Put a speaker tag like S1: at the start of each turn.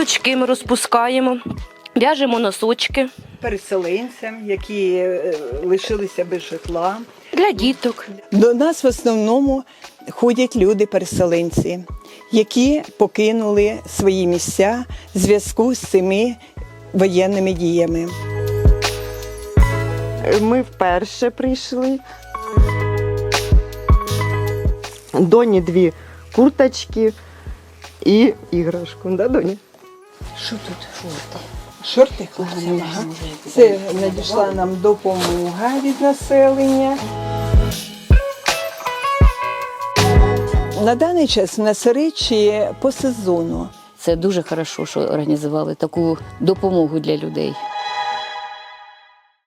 S1: Гілочки ми розпускаємо, в'яжемо носочки
S2: Переселенцям, які лишилися без житла.
S1: для діток.
S2: До нас в основному ходять люди-переселенці, які покинули свої місця в зв'язку з цими воєнними діями.
S3: Ми вперше прийшли. Доні 2 курточки і іграшку. Да, Доня?
S2: Що тут? Шорти хлопцям. Ага. Це надійшла нам допомога від населення. На даний час в нас речі по сезону.
S4: Це дуже добре, що організували таку допомогу для людей.